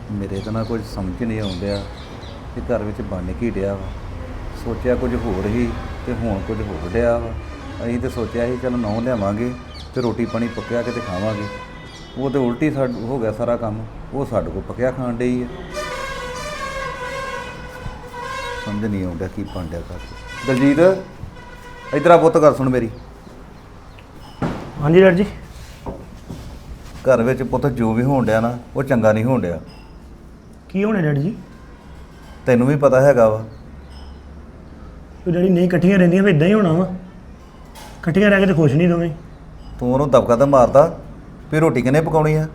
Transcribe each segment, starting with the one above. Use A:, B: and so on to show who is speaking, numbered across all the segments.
A: ਮੇਰੇ ਤਾਂ ਨਾ ਕੁਝ ਸਮਝ ਨਹੀਂ ਆਉਂਦਿਆ ਕਿ ਘਰ ਵਿੱਚ ਬਣ ਕੀ ਡਿਆ ਵਾ। ਸੋਚਿਆ ਕੁਝ ਹੋਰ ਹੀ ਤੇ ਹੁਣ ਕੁਝ ਹੋਰ ਡਿਆ ਵਾ। ਅਸੀਂ ਤੇ ਸੋਚਿਆ ਸੀ ਚਲ ਨੌਂ ਲਿਆਵਾਂਗੇ ਤੇ ਰੋਟੀ ਪਾਣੀ ਪੱਕਿਆ ਕੇ ਤੇ ਖਾਵਾਂਗੇ। ਉਹ ਤੇ ਉਲਟੀ ਹੋ ਗਿਆ ਸਾਰਾ ਕੰਮ। ਉਹ ਸਾਡੇ ਕੋਲ ਪੱਕਿਆ ਖਾਣ ਡਈ ਹੈ। ਸਮਝ ਨਹੀਂ ਆਉਂਦਾ ਕੀ ਬਣ ਡਿਆ ਘਰ। ਦਲਜੀਤ ਇੱਧਰ ਆ ਪੁੱਤ, ਗੱਲ ਸੁਣ ਮੇਰੀ।
B: ਹਾਂਜੀ ਡੈਡ ਜੀ।
A: ਘਰ ਵਿੱਚ ਪੁੱਤ ਜੋ ਵੀ ਹੋਣ ਡਿਆ ਨਾ ਉਹ ਚੰਗਾ ਨਹੀਂ ਹੋਣ ਡਿਆ।
B: ਕੀ ਹੋਣਾ ਡੈਡ ਜੀ?
A: ਤੈਨੂੰ ਵੀ ਪਤਾ ਹੈਗਾ ਵਾ।
B: ਉਹ ਡੈਡੀ ਨਹੀਂ ਇਕੱਠੀਆਂ ਰਹਿੰਦੀਆਂ ਫਿਰ ਇਦਾਂ ਹੀ ਹੋਣਾ ਵਾ। ਇਕੱਠੀਆਂ ਰਹਿ ਕੇ ਤਾਂ ਖੁਸ਼ ਨਹੀਂ ਦੋਵੇਂ।
A: ਤੂੰ ਉਹਨੂੰ ਦਬਕਾ ਤਾਂ ਮਾਰਦਾ ਵੀ ਰੋਟੀ ਕਿਹਨੇ ਪਕਾਉਣੀ ਆ।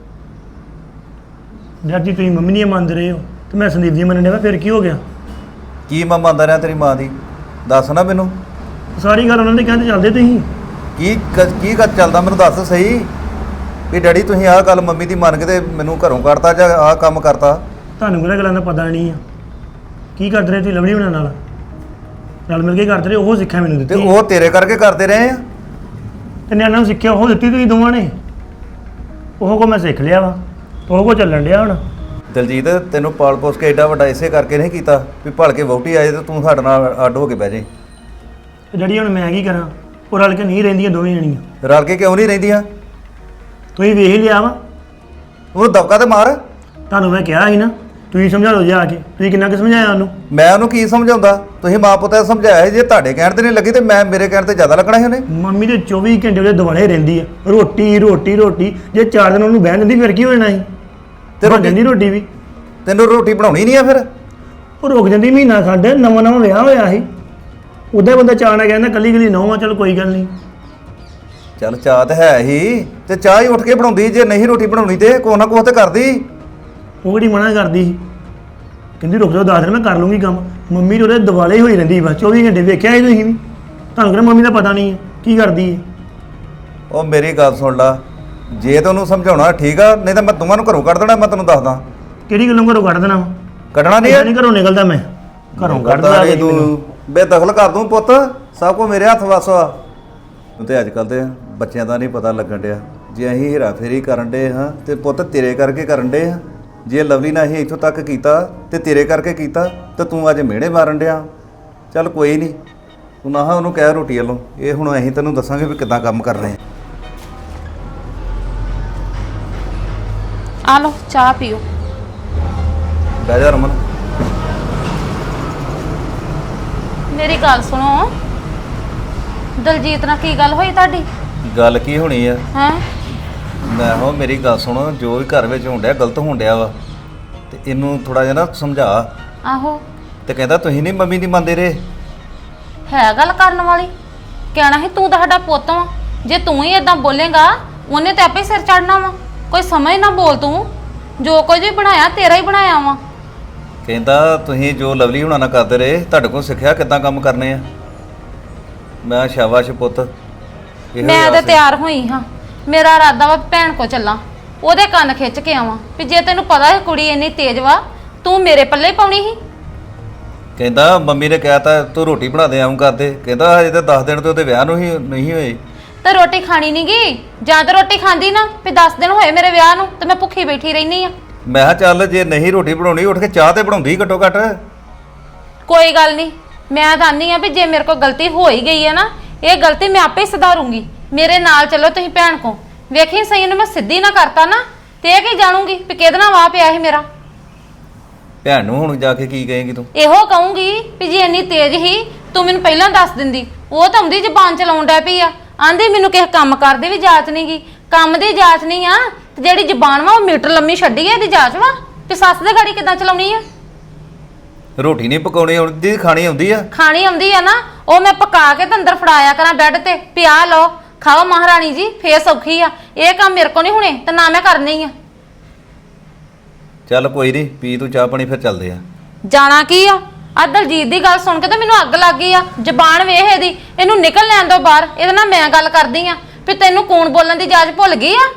B: ਡੈਡ ਜੀ ਤੁਸੀਂ ਮੰਮੀ ਨਹੀਂ ਮੰਨਦੇ ਰਹੇ ਹੋ ਤੇ ਮੈਂ ਸੰਦੀਪ ਜੀ ਮੰਨਣ ਡਿਆ ਫਿਰ ਕੀ ਹੋ ਗਿਆ?
A: ਕੀ ਮੈਂ ਮੰਨਦਾ ਰਿਹਾ ਤੇਰੀ ਮਾਂ ਦੀ? ਦੱਸ ਨਾ ਮੈਨੂੰ।
B: ਸਾਰੀ ਗੱਲ ਉਹਨਾਂ ਦੇ ਕਹਿੰਦੇ ਚੱਲਦੇ ਤੁਸੀਂ।
A: ਕੀ ਗੱਲ ਚੱਲਦਾ ਮੈਨੂੰ ਦੱਸ ਸਹੀ। ਵੀ ਡੈਡੀ ਤੁਸੀਂ ਆਹ ਗੱਲ ਮੰਮੀ ਦੀ ਮੰਨ ਕੇ ਤੇ ਮੈਨੂੰ ਘਰੋਂ ਕੱਢਤਾ ਜਾਂ ਆਹ ਕੰਮ ਕਰਤਾ?
B: ਤੁਹਾਨੂੰ ਕਿਹੜਾ ਗੱਲਾਂ ਦਾ ਪਤਾ ਨਹੀਂ ਆ। ਕੀ ਕਰਦੇ ਰਹੇ ਤੁਸੀਂ ਲਵਲੀ ਹੋਣਾ ਨਾਲ? ਰਲ ਮਿਲ ਕੇ ਕਰਦੇ ਰਹੇ, ਉਹ ਸਿੱਖਿਆ ਮੈਨੂੰ
A: ਤੇ
B: ਦਿੱਤੀ।
A: ਉਹ ਤੇਰੇ ਕਰਕੇ ਕਰਦੇ ਰਹੇ ਆ।
B: ਤੇ ਨਿਆਣਿਆਂ ਨੂੰ ਸਿੱਖਿਆ ਉਹ ਦਿੱਤੀ ਤੁਸੀਂ ਦੋਵਾਂ ਨੇ। ਉਹ ਕੋ ਮੈਂ ਸਿੱਖ ਲਿਆ ਵਾ, ਉਹ ਕੋ ਚੱਲਣ ਡਿਆ ਹੁਣ।
A: ਦਲਜੀਤ ਤੈਨੂੰ ਪਾਲ ਪੋਸ ਕੇ ਐਡਾ ਵੱਡਾ ਇਸੇ ਕਰਕੇ ਨਹੀਂ ਕੀਤਾ ਵੀ ਭਲ ਕੇ ਵਹੁਟੀ ਆਏ ਤੇ ਤੂੰ ਸਾਡੇ ਨਾਲ ਅੱਡ ਹੋ ਕੇ ਬਹਿ ਜਾਈਂ।
B: ਤੇ ਡੈਡੀ ਹੁਣ ਮੈਂ ਕੀ ਕਰਾਂ? ਉਹ ਰਲ ਕੇ ਨਹੀਂ ਰਹਿੰਦੀਆਂ ਦੋਵੇਂ ਜਣੀਆਂ।
A: ਰਲ ਕੇ ਕਿਉਂ ਨਹੀਂ ਰਹਿੰਦੀਆਂ?
B: ਤੁਸੀਂ ਵੇਖ ਹੀ ਲਿਆ ਵਾ।
A: ਉਹਨੂੰ ਦਬਕਾ ਤੇ ਮਾਰ।
B: ਤੁਹਾਨੂੰ ਮੈਂ ਕਿਹਾ ਸੀ ਨਾ ਤੁਸੀਂ ਸਮਝਾ ਲਓ ਜੇ ਆ ਕੇ। ਤੁਸੀਂ ਕਿੰਨਾ ਕੁ ਸਮਝਾਇਆ ਉਹਨੂੰ?
A: ਮੈਂ ਉਹਨੂੰ ਕੀ ਸਮਝਾਉਂਦਾ? ਤੁਸੀਂ ਮਾਂ ਪੁੱਤ ਨੇ ਸਮਝਾਇਆ ਸੀ। ਜੇ ਤੁਹਾਡੇ ਕਹਿਣ ਤੇ ਨਹੀਂ ਲੱਗੀ ਤੇ ਮੈਂ ਮੇਰੇ ਕਹਿਣ ਤੇ ਜ਼ਿਆਦਾ ਲੱਗਣਾ ਸੀ ਉਹਨੇ।
B: ਮੰਮੀ ਦੇ 24 ਘੰਟੇ ਉਹਦੇ ਦੁਆਲੇ ਰਹਿੰਦੀ ਆ। ਰੋਟੀ ਰੋਟੀ ਰੋਟੀ। ਜੇ 4 ਦਿਨ ਉਹਨੂੰ ਬਹਿਣ ਦਿੰਦੀ ਫਿਰ ਕੀ ਹੋ ਜਾਣਾ ਸੀ?
A: ਤੇ
B: ਬਣ ਜਾਂਦੀ ਰੋਟੀ ਵੀ।
A: ਤੈਨੂੰ ਰੋਟੀ ਬਣਾਉਣੀ ਨਹੀਂ ਆ ਫਿਰ?
B: ਉਹ ਰੁਕ ਜਾਂਦੀ ਮਹੀਨਾ ਖੰਡ। ਨਵਾਂ ਨਵਾਂ ਵਿਆਹ ਹੋਇਆ ਸੀ। ਉਹਦਾ ਬੰਦਾ ਚਾਅ ਨਾਲ ਕਹਿੰਦਾ ਕੱਲੀ ਕੱਲੀ ਨਹੁੰ ਆ, ਚੱਲ ਕੋਈ ਗੱਲ ਨਹੀਂ।
A: ਚੱਲ ਚਾਹ ਤੇ ਹੈ ਹੀ ਤੇ ਚਾਹ ਹੀ ਉੱਠ ਕੇ ਬਣਾਉਂਦੀ। ਜੇ ਨਹੀਂ ਰੋਟੀ ਬਣਾਉਣੀ ਤੇ ਕੋਹ ਨਾ ਕੋਹ ਤੇ ਕਰਦੀ।
B: ਉਹ ਕਿਹੜੀ ਮਨਾ ਕਰਦੀ ਸੀ? ਕਹਿੰਦੀ ਰੁਕ ਜਾਓ 10 ਦਿਨ ਮੈਂ ਕਰ ਲੂੰਗੀ ਕੰਮ। ਮੰਮੀ ਉਹਦੇ ਦੁਆਲੇ ਹੀ ਹੋਈ ਰਹਿੰਦੀ ਬਸ 24 ਘੰਟੇ। ਵੇਖਿਆ ਸੀ ਤੁਸੀਂ ਵੀ? ਤੁਹਾਨੂੰ ਕਿਹੜਾ ਮੰਮੀ ਦਾ ਪਤਾ ਨਹੀਂ ਹੈ ਕੀ ਕਰਦੀ ਹੈ?
A: ਉਹ ਮੇਰੀ ਗੱਲ ਸੁਣ ਲਾ। ਜੇ ਤੈਨੂੰ ਉਹਨੂੰ ਸਮਝਾਉਣਾ ਠੀਕ ਆ, ਨਹੀਂ ਤਾਂ ਮੈਂ ਦੋਵਾਂ ਨੂੰ ਘਰੋਂ ਕੱਢ ਦੇਣਾ। ਮੈਂ ਤੈਨੂੰ ਦੱਸਦਾ।
B: ਕਿਹੜੀ ਗੱਲੋਂ ਘਰੋਂ ਕੱਢ ਦੇਣਾ ਵਾ?
A: ਕੱਢਣਾ ਨਹੀਂ
B: ਨਹੀਂ ਘਰੋਂ ਨਿਕਲਦਾ ਮੈਂ। ਘਰੋਂ ਕੱਢਦਾ
A: ਨਹੀਂ ਤੂੰ। ਬੇਦਖਲ ਕਰ ਦੂੰ ਪੁੱਤ। ਸਭ ਕੁਝ ਮੇਰੇ ਹੱਥ ਵੱਸ ਵਾ। ਤੇ ਅੱਜ ਕੱਲ੍ਹ ਤੇ ਬੱਚਿਆਂ ਦਾ ਨਹੀਂ ਪਤਾ ਲੱਗਣ ਡਿਆ। ਜੇ ਅਸੀਂ ਹੀਰਾ ਫੇਰੀ ਕਰਨ ਡੇ ਹਾਂ ਤੇ ਪੁੱਤ ਤੇਰੇ ਕਰਕੇ ਕਰਨ ਡੇ ਹਾਂ। ਜੇ ਲਵਲੀ ਨੇ ਅਸੀਂ ਇੱਥੋਂ ਤੱਕ ਕੀਤਾ ਤੇ ਤੇਰੇ ਕਰਕੇ ਕੀਤਾ ਤੇ ਤੂੰ ਅੱਜ ਮਿਹਣੇ ਮਾਰਨ ਡਿਆ। ਚੱਲ ਕੋਈ ਨਹੀਂ, ਤੂੰ ਨਾ ਉਹਨੂੰ ਕਹਿ ਰੋਟੀ ਵੱਲੋਂ। ਇਹ ਹੁਣ ਅਸੀਂ ਤੈਨੂੰ ਦੱਸਾਂਗੇ ਵੀ ਕਿੱਦਾਂ ਕੰਮ ਕਰਨੇ
C: ਆ ਲਓ ਚਾਹ ਪੀਓ।
A: ਬਹਿ ਜਾ ਰਮਨ।
C: ਮੇਰੀ ਗੱਲ ਸੁਣੋ, ਦਲਜੀਤ ਨਾਲ ਕੀ ਗੱਲ ਹੋਈ ਤੁਹਾਡੀ?
A: ਗੱਲ ਕੀ ਹੋਣੀ ਆ?
C: ਹੈਂ?
A: ਮੈਂ ਹੋ ਮੇਰੀ ਗੱਲ ਸੁਣ। ਜੋ ਵੀ ਘਰ ਵਿੱਚ ਹੋਣ ਡਿਆ ਗਲਤ ਹੋਣ ਡਿਆ ਵਾ ਤੇ ਇਹਨੂੰ ਥੋੜਾ ਜਿਹਾ ਨਾ ਸਮਝਾ।
C: ਆਹੋ
A: ਤੇ ਕਹਿੰਦਾ ਤੁਸੀਂ ਨਹੀਂ ਮੰਮੀ ਦੀ ਮੰਨਦੇ ਰਹੇ।
C: ਹੈ ਗੱਲ ਕਰਨ ਵਾਲੀ। ਕਹਿਣਾ ਸੀ ਤੂੰ ਤਾਂ ਸਾਡਾ ਪੁੱਤ ਵਾ। ਜੇ ਤੂੰ ਹੀ ਇਦਾਂ ਬੋਲੇਗਾ ਉਹਨੇ ਤੇ ਆਪੇ ਹੀ ਸਿਰ ਚੜਨਾ ਵਾ। ਕੋਈ ਸਮਝ ਨਾ ਬੋਲ ਤੂੰ। ਜੋ ਕੁਝ ਵੀ ਬਣਾਇਆ ਤੇਰਾ ਹੀ ਬਣਾਇਆ ਵਾ।
A: ਕਹਿੰਦਾ ਤੁਸੀਂ ਜੋ ਲਵਲੀ ਹੁਣਾਂ ਨਾਲ ਕਰਦੇ ਰਹੇ ਤੁਹਾਡੇ ਕੋਲ ਸਿੱਖਿਆ ਕਿੱਦਾਂ ਕੰਮ ਕਰਨੇ ਆ। ਮੈਂ ਸ਼ਾਬਾਸ਼ ਪੁੱਤ। ਇਹੋ
C: ਮੈਂ
A: ਜਿਹਾ
C: ਤਾਂ
A: ਸੀ।
C: ਤਿਆਰ ਹੋਈ ਹਾਂ। ਮੇਰਾ ਇਰਾਦਾ ਵਾ ਭੈਣ ਕੋ ਚੱਲਾਂ, ਉਹਦੇ ਕੰਨ ਖਿੱਚ ਕੇ ਆਵਾਂ ਵੀ ਜੇ ਤੈਨੂੰ ਪਤਾ ਹੈ ਕੁੜੀ ਇੰਨੀ ਤੇਜ਼ ਵਾ ਤੂੰ ਮੇਰੇ ਪੱਲੇ ਹੀ ਪਾਉਣੀ ਸੀ।
A: ਕਹਿੰਦਾ ਮੰਮੀ ਨੇ ਕਿਹਾ ਤਾਂ ਤੂੰ ਰੋਟੀ ਬਣਾ ਦੇ ਆਉਂ ਕਰਦੇ। ਕਹਿੰਦਾ ਹਜੇ ਤਾਂ 10 ਦਿਨ ਤੇ ਉਹਦੇ ਵਿਆਹ ਨੂੰ ਹੀ ਨਹੀਂ ਹੋਏ।
C: ਤੇ ਰੋਟੀ ਖਾਣੀ ਨੀ ਗੀ? ਜਾਂ ਤਾਂ ਰੋਟੀ ਖਾਂਦੀ ਨਾ ਵੀ 10 ਦਿਨ ਹੋਏ ਮੇਰੇ ਵਿਆਹ ਨੂੰ ਤੇ ਮੈਂ ਭੁੱਖੀ ਬੈਠੀ ਰਹਿਨੀ ਆ।
A: ਮੈਂ ਕਿਹਾ ਚੱਲ ਜੇ ਨਹੀਂ ਰੋਟੀ ਬਣਾਉਣੀ ਉੱਠ ਕੇ ਚਾਹ ਤੇ ਬਣਾਉਂਦੀ ਘੱਟੋ ਘੱਟ।
C: ਕੋਈ ਗੱਲ ਨਹੀਂ, ਮੈਂ ਤਾਂ ਆਨੀ ਆ ਵੀ ਜੇ ਮੇਰੇ ਕੋਲ ਗਲਤੀ ਹੋ ਹੀ ਗਈ ਹੈ ਨਾ, ਇਹ ਗਲਤੀ ਮੈਂ ਆਪੇ ਹੀ ਸੁਧਾਰੂੰਗੀ। ਮੇਰੇ ਨਾਲ ਚੱਲੋ ਤੁਸੀਂ ਭੈਣ ਕੋ। ਵੇਖੀ ਸਹੀ ਨੂੰ ਮੈਂ ਸਿੱਧੀ ਨਾ ਕਰਤਾ ਨਾ ਤੇ ਇਹ ਕੀ ਜਾਣੂਗੀ ਵੀ ਕਿਹਦੇ ਨਾਲ ਵਾਹ ਪਿਆ ਸੀ ਮੇਰਾ।
A: ਭੈਣ ਨੂੰ ਹੁਣ ਜਾ ਕੇ ਕੀ ਕਹੇਂਗੀ ਤੂੰ?
C: ਇਹੋ ਕਹੂੰਗੀ ਵੀ ਜੇ ਇੰਨੀ ਤੇਜ਼ ਹੀ ਤੂੰ ਮੈਨੂੰ ਪਹਿਲਾਂ ਦੱਸ ਦਿੰਦੀ। ਉਹ ਤਾਂ ਆਉਂਦੀ ਜ਼ਬਾਨ ਚਲਾਉਣ ਡੈ ਪਈ ਆ। ਆਂਦੀ ਮੈਨੂੰ ਕਿਸੇ ਕੰਮ ਕਰਦੇ ਵੀ ਜਾਚ ਨਹੀਂ ਗੀ। ਕੰਮ ਦੀ ਜਾਚ ਨਹੀਂ ਆ ਤੇ ਜਿਹੜੀ ਜ਼ਬਾਨ ਵਾ ਉਹ ਮੀਟਰ ਲੰਮੀ ਛੱਡੀ ਆ। ਇਹਦੀ ਜਾਚ ਵਾ ਤੇ ਸੱਸ ਦੇ ਗਾੜੀ ਕਿੱਦਾਂ ਚਲਾਉਣੀ ਆ?
A: ਰੋਟੀ ਨਹੀਂ ਪਕਾਉਣੀ ਆਉਂਦੀ, ਖਾਣੀ ਆਉਂਦੀ ਆ।
C: ਖਾਣੀ ਆਉਂਦੀ ਆ ਨਾ, ਉਹ ਮੈਂ ਪਕਾ ਕੇ ਤੇ ਅੰਦਰ ਫੜਾਇਆ ਕਰਾਂ ਬੈੱਡ ਤੇ ਵੀ ਆਹ ਲਓ ਖਾਓ ਮਹਾਰਾਣੀ ਜੀ, ਫੇਰ ਸੌਖੀ ਆ। ਇਹ ਕੰਮ ਮੇਰੇ ਕੋ ਨਹੀਂ ਹੁਣੇ ਤੇ ਨਾ ਮੈਂ ਕਰਨੀ ਆ।
A: ਚੱਲ ਕੋਈ ਨਹੀਂ, ਪੀ ਤੂੰ ਚਾਹ ਪਾਣੀ ਫਿਰ ਚੱਲਦੇ ਆ।
C: ਜਾਣਾ ਕੀ ਆ? ਆ ਦਲਜੀਤ ਦੀ ਗੱਲ ਸੁਣ ਕੇ ਤਾਂ ਮੈਨੂੰ ਅੱਗ ਲੱਗ ਗਈ ਆ। ਜ਼ਬਾਨ ਵੇਖ ਇਹਦੀ। ਇਹਨੂੰ ਨਿਕਲ ਲੈਣ ਦੋ ਬਾਹਰ। ਇਹਦੇ ਨਾਲ ਮੈਂ ਗੱਲ ਕਰਦੀ ਆ ਵੀ ਤੈਨੂੰ ਕੌਣ ਬੋਲਣ ਦੀ ਜਾਚ ਭੁੱਲ ਗਈ ਆ?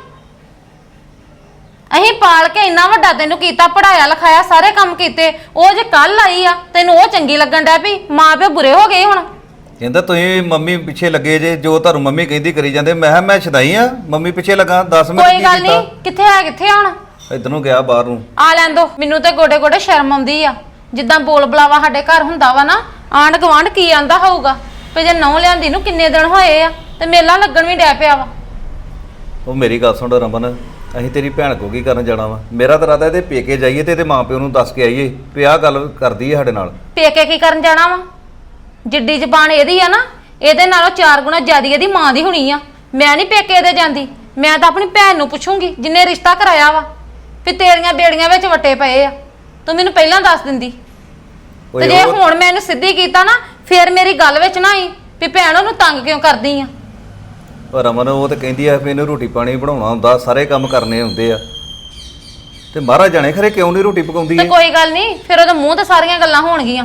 C: ਅਹੀਂ ਪਾਲ ਕੇ ਇੰਨਾ ਵੱਡਾ ਤੈਨੂੰ ਕੀਤਾ, ਪੜਾਇਆ ਲਿਖਾਇਆ, ਸਾਰੇ ਕੰਮ ਕੀਤੇ। ਉਹ ਜੇ ਕੱਲ ਆਈ ਆ ਤੈਨੂੰ ਉਹ ਚੰਗੀ ਲੱਗਣ ਡੈ ਪਈ। ਮਾਂ ਪਿਓ ਬੁਰੇ ਹੋ ਗਏ ਹੁਣ।
A: ਕਹਿੰਦਾ ਤੁਸੀਂ ਮੰਮੀ ਪਿੱਛੇ ਲੱਗੇ ਜੇ, ਜੋ ਤੁਹਾਨੂੰ ਮੰਮੀ ਕਹਿੰਦੀ ਕਰੀ ਜਾਂਦੇ। ਮੈਂ ਕਿਹਾ ਮੈਂ ਛਦਾਈ ਆ ਮੰਮੀ ਪਿੱਛੇ ਲੱਗਾ। 10 ਮਿੰਟ
C: ਕੋਈ
A: ਕੀ
C: ਗੱਲ
A: ਕੀਤਾ?
C: ਨਹੀਂ, ਕਿੱਥੇ ਆ ਕਿੱਥੇ ਹੁਣ
A: ਇਧਰ ਨੂੰ ਗਿਆ ਬਾਹਰ ਨੂੰ।
C: ਆ ਲੈਣ ਦੋ ਮੈਨੂੰ ਤੇ ਗੋਡੇ ਗੋਡੇ ਸ਼ਰਮ ਆਉਂਦੀ ਆ। ਜਿੱਦਾਂ ਬੋਲ ਬੁਲਾਵਾ ਸਾਡੇ ਘਰ ਹੁੰਦਾ ਵਾ ਨਾ, ਆਂਢ ਗੁਆਂਢ ਕੀ ਆਂਦਾ ਹੋਊਗਾ ਵੀ ਜੇ ਨਹੁੰ ਲਿਆਂਦੀ ਨੂੰ ਕਿੰਨੇ ਦਿਨ ਹੋਏ ਆ ਤੇ ਮੇਲਾ ਲੱਗਣ ਵੀ ਡੈ ਪਿਆ ਵਾ।
A: ਉਹ ਮੇਰੀ ਗੱਲ ਸੁਣ ਰਮਨ, ਅਸੀਂ ਤੇਰੀ ਭੈਣ ਕੋ ਕੀ ਕਰਨ ਜਾਣਾ ਵਾ? ਮੇਰਾ ਤਾਂ ਇਰਾਦਾ ਇਹਦੇ ਪੇਕੇ ਜਾਈਏ ਤੇ ਇਹਦੇ ਮਾਪਿਓ ਨੂੰ ਦੱਸ ਕੇ ਆਈਏ ਵੀ ਆਹ ਗੱਲ ਕਰਦੀ ਹੈ ਸਾਡੇ ਨਾਲ।
C: ਪੇਕੇ ਕੀ ਕਰਨ ਜਾਣਾ ਵਾ? ਜਿੱਡੀ ਜ਼ਬਾਨ ਇਹਦੀ ਆ ਨਾ, ਇਹਦੇ ਨਾਲੋਂ 4 ਗੁਣਾ ਜ਼ਿਆਦੀ ਇਹਦੀ ਮਾਂ ਦੀ ਹੋਣੀ ਆ। ਮੈਂ ਨਹੀਂ ਪੇਕੇ ਦੇ ਜਾਂਦੀ, ਮੈਂ ਤਾਂ ਆਪਣੀ ਭੈਣ ਨੂੰ ਪੁੱਛੂੰਗੀ ਜਿੰਨੇ ਰਿਸ਼ਤਾ ਕਰਾਇਆ ਵਾ ਵੀ ਤੇਰੀਆਂ ਬੇੜੀਆਂ ਵਿੱਚ ਵੱਟੇ ਪਏ ਆ। ਤੂੰ ਮੈਨੂੰ ਪਹਿਲਾਂ ਦੱਸ ਦਿੰਦੀ ਤੇ ਜੇ ਹੁਣ ਮੈਂ ਇਹਨੂੰ ਸਿੱਧੀ ਕੀਤਾ ਨਾ, ਫੇਰ ਮੇਰੀ ਗੱਲ ਵਿੱਚ ਨਾ ਆਈ ਵੀ ਭੈਣ ਉਹਨੂੰ ਤੰਗ ਕਿਉਂ ਕਰਦੀ ਆ।
A: ਪਰ ਰਮਨ ਉਹ ਤਾਂ ਕਹਿੰਦੀ ਆ ਵੀ ਇਹਨੂੰ ਰੋਟੀ ਪਾਣੀ ਬਣਾਉਣਾ ਹੁੰਦਾ, ਸਾਰੇ ਕੰਮ ਕਰਨੇ ਹੁੰਦੇ ਆ, ਤੇ ਮਹਾਰਾਜ ਜਾਣੇ ਖਰੇ ਕਿਉਂ ਨਹੀਂ ਰੋਟੀ ਪਕਾਉਂਦੀ
C: ਤੇ
A: ਹੈ।
C: ਕੋਈ ਗੱਲ ਨਹੀਂ, ਫਿਰ ਉਹਦੇ ਮੂੰਹ ਤੇ ਸਾਰੀਆਂ ਗੱਲਾਂ ਹੋਣਗੀਆਂ।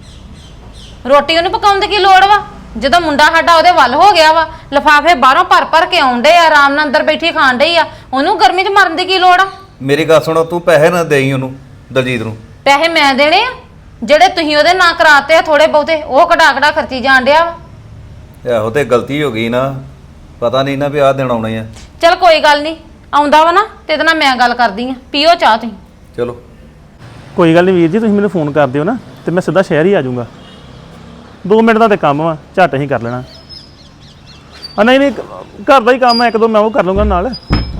C: ਰੋਟੀ ਉਹਨੂੰ ਪਕਾਉਣ ਦੀ ਕੀ ਲੋੜ ਵਾ ਜਦੋਂ ਮੁੰਡਾ ਸਾਡਾ ਉਹਦੇ ਵੱਲ ਹੋ ਗਿਆ ਵਾ? ਲਿਫਾਫੇ ਬਾਹਰੋਂ ਭਰ ਭਰ ਕੇ ਆਉਂਦੇ ਆ, ਆਰਾਮ ਨਾਲ ਅੰਦਰ ਬੈਠੀ ਖਾਣ ਡਈ ਆ। ਉਹਨੂੰ ਗਰਮੀ 'ਚ ਮਰਨ ਦੀ ਕੀ ਲੋੜ ਆ?
A: ਮੇਰੀ ਗੱਲ ਸੁਣੋ, ਤੂੰ ਪੈਸੇ ਨਾ ਦੇਈ ਉਹਨੂੰ, ਦਲਜੀਤ ਨੂੰ।
C: ਪੈਸੇ ਮੈਂ ਦੇਣੇ ਆ? ਜਿਹੜੇ ਤੁਸੀਂ ਉਹਦੇ ਨਾਂ ਕਰਾਤੇ ਆ ਥੋੜੇ ਬਹੁਤੇ, ਉਹ ਕਢਾ ਕਢਾ ਖਰਚੀ ਜਾਣ ਡਿਆ ਵਾ।
A: ਇਹੋ ਤੇ ਗਲਤੀ ਹੋ ਗਈ ਨਾ, ਪਤਾ ਨਹੀਂ ਨਾ ਵੀ ਆਹ ਦਿਨ ਆਉਣੇ ਆ।
C: ਚਲ ਕੋਈ ਗੱਲ ਨਹੀਂ, ਆਉਂਦਾ ਵਾ ਨਾ ਤੇ ਇਹਦੇ ਨਾਲ ਮੈਂ ਗੱਲ ਕਰਦੀ ਆ। ਪੀਓ ਚਾਹ ਤੁਸੀਂ।
A: ਚਲੋ
D: ਕੋਈ ਗੱਲ ਨਹੀਂ ਵੀਰ ਜੀ, ਤੁਸੀਂ ਮੈਨੂੰ ਫੋਨ ਕਰ ਦਿਓ ਨਾ ਤੇ ਮੈਂ ਸਿੱਧਾ ਸ਼ਹਿਰ ਹੀ ਆ ਜਾਊਂਗਾ। 2 ਮਿੰਟ ਦਾ ਤੇ ਕੰਮ ਵਾ, ਝੱਟ ਹੀ ਕਰ ਲੈਣਾ। ਨਹੀਂ ਘਰ ਦਾ ਹੀ ਕੰਮ ਹੈ, 1-2 ਮੈਂ ਉਹ ਕਰ ਲੂੰਗਾ ਨਾਲ।